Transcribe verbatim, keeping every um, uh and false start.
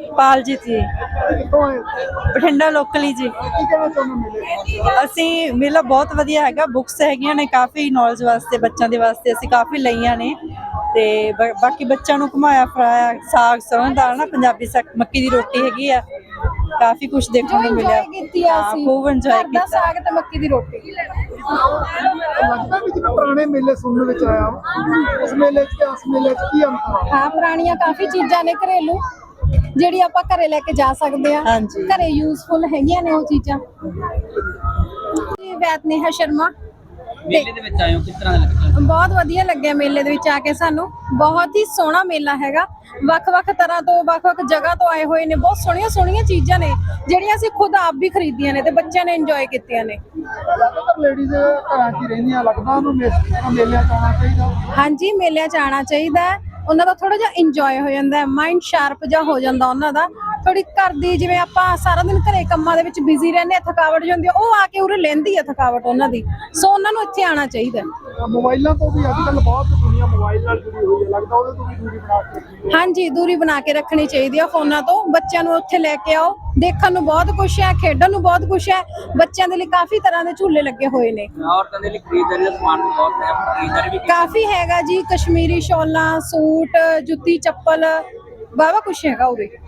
ਪਾਲਜੀਤ ਜੀ, ਕਿੱਥੋਂ ਆਏ? ਬਠਿੰਡਾ ਲੋਕਲੀ ਜੀ। ਕੀ ਕਹਿਣਾ ਚਾਹੁੰਦੇ ਮੇਲੇ? ਅਸੀਂ ਮੇਲਾ ਬਹੁਤ ਵਧੀਆ ਹੈਗਾ, ਬੁੱਕਸ ਹੈਗੀਆਂ ਨੇ ਕਾਫੀ ਨੌਲੇਜ ਵਾਸਤੇ, ਬੱਚਿਆਂ ਦੇ ਵਾਸਤੇ ਅਸੀਂ ਕਾਫੀ ਲਈਆਂ ਨੇ ਤੇ ਬ- ਬਾਕੀ ਬੱਚਿਆਂ ਨੂੰ ਘੁਮਾਇਆ ਫਿਰਾਇਆ, ਸਾਗ ਸਰੋਂ ਦਾ ਨਾ, ਪੰਜਾਬੀ ਸਾਗ, ਮੱਕੀ ਦੀ ਰੋਟੀ ਹੈਗੀ ਆ, ਕਾਫੀ ਕੁਝ ਦੇਖਣ ਨੂੰ ਮਿਲਿਆ। ਕੀਤੀ ਆ ਹਾਂ, ਅਸੀਂ ਖੂਬ ਇੰਜੋਏ ਘਰ ਦਾ ਕੀਤਾ। ਸਾਗ ਤੇ ਮੱਕੀ ਦੀ ਰੋਟੀ। ਲੱਗਦਾ ਵੀ ਜਿਵੇਂ ਪੁਰਾਣੇ ਮੇਲੇ ਸੁਣਨ ਵਿੱਚ ਆਇਆ ਵਾ, ਉਸ ਮੇਲੇ 'ਚ ਤੇ ਇਸ ਮੇਲੇ 'ਚ ਕੀ ਅੰਤਰ ਆ? ਹਾਂ, ਪੁਰਾਣੀਆਂ ਕਾਫੀ ਚੀਜ਼ਾਂ ਨੇ ਘਰੇਲੂ ਜਿਹੜੀ ਆਪਾਂ ਘਰੇ ਲੈ ਕੇ ਜਾ ਸਕਦੇ ਆ, ਹਾਂਜੀ। ਘਰੇ ਯੂਜ਼ਫੁਲ ਹੈਗੀਆਂ ਨੇ ਉਹ ਚੀਜ਼ਾਂ। ਜੀ ਵੈਦ ਨੇਹਾ ਸ਼ਰਮਾ। ਮੇਲੇ ਦੇ ਵਿੱਚ ਆਏ ਹੋ, ਕਿਸ ਤਰ੍ਹਾਂ ਦਾ ਲੱਗਿਆ? ਬਹੁਤ ਵਧੀਆ ਲੱਗਿਆ ਮੇਲੇ ਦੇ ਵਿੱਚ ਆ ਕੇ ਸਾਨੂੰ, ਬਹੁਤ ਹੀ ਸੋਹਣਾ ਮੇਲਾ ਹੈਗਾ। ਵੱਖ-ਵੱਖ ਤਰ੍ਹਾਂ ਤੋਂ, ਵੱਖ-ਵੱਖ ਜਗ੍ਹਾ ਤੋਂ ਆਏ ਹੋਏ ਨੇ, ਬਹੁਤ ਸੋਹਣੀਆਂ ਸੋਹਣੀਆਂ ਚੀਜ਼ਾਂ ਨੇ ਜਿਹੜੀਆਂ ਅਸੀਂ ਖੁਦ ਆਪ ਵੀ ਖਰੀਦੀਆਂ ਨੇ ਤੇ ਬੱਚਿਆਂ ਨੇ ਇੰਜੋਏ ਕੀਤੀਆਂ ਨੇ। ਜ਼ਿਆਦਾਤਰ ਲੇਡੀਜ਼ ਘਰਾਂ 'ਚ ਹੀ ਰਹਿੰਦੀਆਂ, ਲੱਗਦਾ ਉਹਨੂੰ ਮੇ- ਮੇਲਿਆਂ 'ਚ ਆਉਣਾ ਚਾਹੀਦਾ। ਹਾਂਜੀ, ਮੇਲਿਆਂ 'ਚ ਆਉਣਾ ਚਾਹੀਦਾ ਹੈ, ਉਹਨਾਂ ਦਾ ਥੋੜਾ ਜਿਹਾ ਇੰਜੋਏ ਹੋ ਜਾਂਦਾ ਹੈ, ਮਾਈਂਡ ਸ਼ਾਰਪ ਜਿਹਾ ਹੋ ਜਾਂਦਾ ਉਹਨਾਂ ਦਾ। ਥੋੜੀ ਘਰ ਦੀ, ਜਿਵੇਂ ਆਪਾਂ ਸਾਰਾ ਦਿਨ ਘਰੇ ਕੰਮਾਂ ਦੇ ਵਿੱਚ ਬਿਜ਼ੀ ਰਹਿੰਦੇ ਆ, ਥਕਾਵਟ ਜਿਹੀ ਹੁੰਦੀ ਆ, ਉਹ ਆ ਕੇ ਉਰੇ ਲੈਂਦੀ ਆ ਥਕਾਵਟ ਉਹਨਾਂ ਦੀ। ਸੋ ਉਹਨਾਂ ਨੂੰ ਇੱਥੇ ਆਉਣਾ ਚਾਹੀਦਾ। ਮੋਬਾਈਲਾਂ ਤੋਂ ਵੀ ਅੱਜ ਕੱਲ੍ਹ ਬਹੁਤ ਦੁਨੀਆ ਮੋਬਾਈਲ ਨਾਲ ਜੁੜੀ ਹੋਈ ਹੈ, ਲੱਗਦਾ ਉਹਦੇ ਤੋਂ ਵੀ ਦੂਰੀ ਬਣਾ ਕੇ ਰੱਖਣੀ। ਹਾਂਜੀ, ਦੂਰੀ ਬਣਾ ਕੇ ਰੱਖਣੀ ਚਾਹੀਦੀ ਆ ਫੋਨਾਂ ਤੋਂ। ਬੱਚਿਆਂ ਨੂੰ ਉੱਥੇ ਲੈ ਕੇ ਆਓ, ਦੇਖਣ ਨੂੰ ਬਹੁਤ ਕੁਛ ਹੈ, ਖੇਡਣ ਨੂੰ ਬਹੁਤ ਕੁਛ ਹੈ। ਬੱਚਿਆਂ ਦੇ ਲਈ ਕਾਫੀ ਤਰ੍ਹਾਂ ਦੇ ਝੂਲੇ ਲੱਗੇ ਹੋਏ ਨੇ। ਔਰਤਾਂ ਦੇ ਲਈ ਖਰੀਦਦਾਰੀ ਦਾ ਸਮਾਨ ਵੀ ਬਹੁਤ ਹੈ, ਖਰੀਦਦਾਰੀ ਵੀ ਕੀਤੀ। ਕਾਫੀ ਹੈਗਾ ਜੀ, ਕਸ਼ਮੀਰੀ ਸ਼ਾਲਾਂ, ਸੂਟ, ਜੁੱਤੀ ਚੱਪਲ, ਵਾਹਵਾ ਕੁਛ ਹੈਗਾ ਉਰੇ।